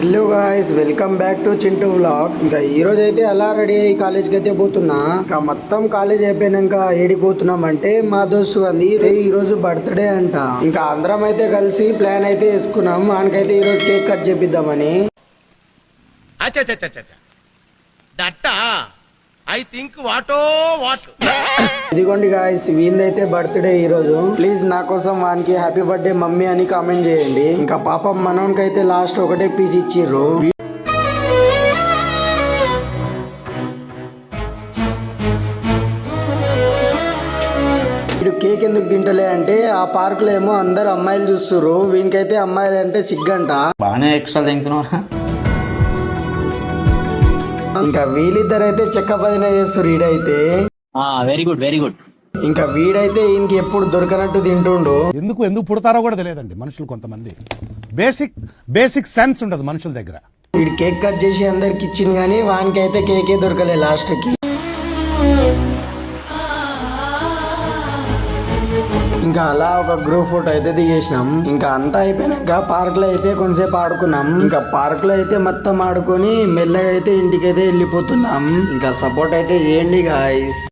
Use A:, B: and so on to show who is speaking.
A: Hello guys, welcome back to Chintu vlogs. ఇంకా ఈ రోజు అయితే అలా రెడీ అయ్యి కాలేజ్కి అయితే పోతున్నా. ఇంకా మొత్తం కాలేజ్ అయిపోయినాక ఏడిపోతున్నాం అంటే మా దోస్తు అంది ఈ రోజు బర్త్డే అంట. ఇంకా అందరం అయితే కలిసి ప్లాన్ అయితే వేసుకున్నాం. మనకైతే ఈ రోజు కేక్ కట్ చేపిద్దామని. ఇదిగోండి గాయ్స్, వీందైతే బర్త్డే ఈ రోజు. ప్లీజ్ నా కోసం వానికి హ్యాపీ బర్త్డే మమ్మీ అని కామెంట్ చేయండి. ఇంకా పాపం మనోనికి అయితే లాస్ట్ ఒకటే పీస్ ఇచ్చిర్రు. వీడు కేక్ ఎందుకు తింటలే అంటే ఆ పార్క్ లో ఏమో అందరు అమ్మాయిలు చూస్తుర్రు, వీనికైతే అమ్మాయిలు అంటే సిగ్గంట.
B: బాగానే ఎక్స్ట్రా తింటున్నారా?
A: ఇంకా వీళ్ళిద్దరైతే చెక్క పదిన చేస్తారు. ఈడైతే
B: వెరీ గుడ్ వెరీ గుడ్.
A: ఇంకా వీడైతే ఈయనకి ఎప్పుడు దొరకనట్టు తింటుండు.
C: ఎందుకు పుడతారో కూడా తెలియదండి మనుషులు. కొంతమంది బేసిక్ సెన్స్ ఉండదు మనుషుల దగ్గర.
A: వీడు కేక్ కట్ చేసి అందరికి ఇచ్చింది కానీ వానికి అయితే కేకే దొరకలే లాస్ట్ కి. ఇంకా అలా ఒక గ్రూప్ ఫోటో అయితే దిగేసినాం. ఇంకా అంతా అయిపోయినాక పార్క్ లో అయితే కొంతసేపు ఆడుకున్నాం. ఇంకా పార్క్ లో అయితే మొత్తం ఆడుకొని మెల్లగా అయితే ఇంటికైతే వెళ్ళిపోతున్నాం. ఇంకా సపోర్ట్ అయితే చేయండి గాయ్స్.